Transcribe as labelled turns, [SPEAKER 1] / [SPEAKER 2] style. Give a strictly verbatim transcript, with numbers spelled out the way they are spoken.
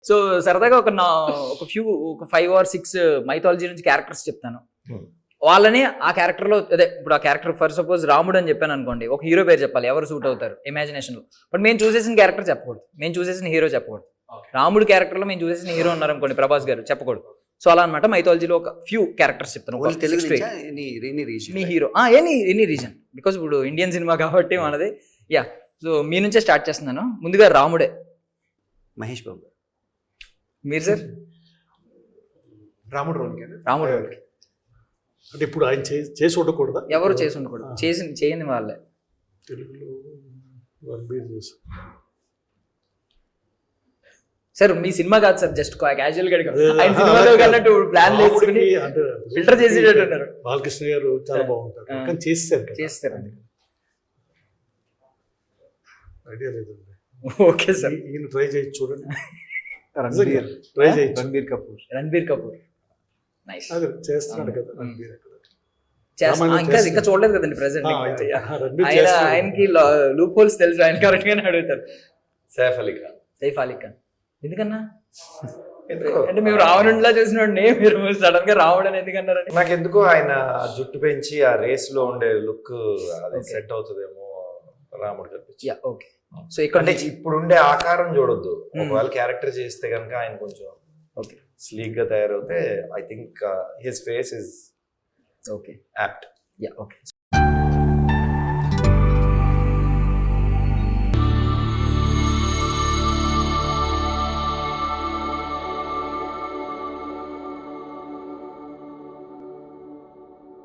[SPEAKER 1] So సరదాగా ఒక నా ఒక ఫ్యూ ఒక ఫైవ్ ఆర్ సిక్స్ మైథాలజీ నుంచి క్యారెక్టర్స్ చెప్తాను. వాళ్ళని ఆ క్యారెక్టర్ లో అదే ఇప్పుడు ఆ క్యారెక్టర్ ఫర్ సపోజ్ రాముడు అని చెప్పాను అనుకోండి, ఒక హీరో పేరు చెప్పాలి, ఎవరు సూట్ అవుతారు ఇమాజినేషన్ లో. బట్ మేము చూసేసిన క్యారెక్టర్ చెప్పకూడదు, మేము చూసేసిన హీరో చెప్పకూడదు. రాముడు క్యారెక్టర్ లో మేము చూసేసిన హీరో ఉన్నారు అనుకోండి, ప్రభాస్ గారు, చెప్పకూడదు. సో అలా అనమాట మైథాలజీలో ఒక ఫ్యూ క్యారెక్టర్స్ చెప్తాను. మీ hero any any reason, because ఇప్పుడు ఇండియన్ సినిమా కాబట్టి మనది. యా, సో మీ నుంచే స్టార్ట్ చేస్తున్నాను. ముందుగా రాముడే.
[SPEAKER 2] మహేష్ బాబు.
[SPEAKER 1] మీరు సార్?
[SPEAKER 3] రాముడు రోల్.
[SPEAKER 1] రాముడు రోల్కి
[SPEAKER 3] అంటే ఇప్పుడు ఆయన చేసి ఉండకూడదా?
[SPEAKER 1] ఎవరు చేసి ఉండకూడదు, చేసి చేయని వాళ్ళే.
[SPEAKER 3] తెలుగులో రణబీర్ చేసి.
[SPEAKER 1] సార్ మీ సినిమా కాదు సార్, జస్ట్ క్యాజువల్ గా ఆయన సినిమాలో కన్నట్టు ప్లాన్ చేసుకుని ఫిల్టర్ చేసేటట్టు ఉన్నారు.
[SPEAKER 3] బాలకృష్ణ గారు చాలా బాగుంటారు, కానీ చేస్తారు
[SPEAKER 1] చేస్తారు
[SPEAKER 3] ఐడియా లేదండి.
[SPEAKER 1] ఓకే సార్,
[SPEAKER 3] ఈయన ట్రై చేయొచ్చు చూడండి.
[SPEAKER 2] రణబీర్
[SPEAKER 3] ట్రై చేయొచ్చు.
[SPEAKER 2] రణబీర్ కపూర్.
[SPEAKER 1] రణబీర్ కపూర్ నైస్
[SPEAKER 3] అదే చేస్తున్నాడు కదా రణబీర్.
[SPEAKER 1] ఇంకా ఇంకా చూడలేదు కదండి ప్రెసెంట్. ఆయన ఆయనకి లూప్ హోల్స్ తెలుసు, ఆయన కరెక్ట్ గానే అడుగుతారు.
[SPEAKER 4] సైఫ్ అలీ ఖాన్.
[SPEAKER 1] సైఫ్ అలీ ఖాన్ ఎందుకన్నా? అంటే మేము రావణుడిలా చూసినోడిని మీరు సడన్ గా రావణ్ అని ఎందుకన్నారని?
[SPEAKER 4] నాకు ఎందుకో ఆయన జుట్టు పెంచి ఆ రేస్ లో ఉండే లుక్ అది సెట్ అవుతుందేమో రాముడు కనిపించి.
[SPEAKER 1] ఓకే, సో ఇక్కడ
[SPEAKER 4] అంటే ఇప్పుడు ఉండే ఆకారం చూడొద్దు, ఒకవేళ క్యారెక్టర్ చేస్తే కనుక ఆయన కొంచెం
[SPEAKER 1] ఓకే
[SPEAKER 4] స్లీక్ గా తయారవుతే I think his face is
[SPEAKER 1] okay
[SPEAKER 4] apt.
[SPEAKER 1] Yeah okay.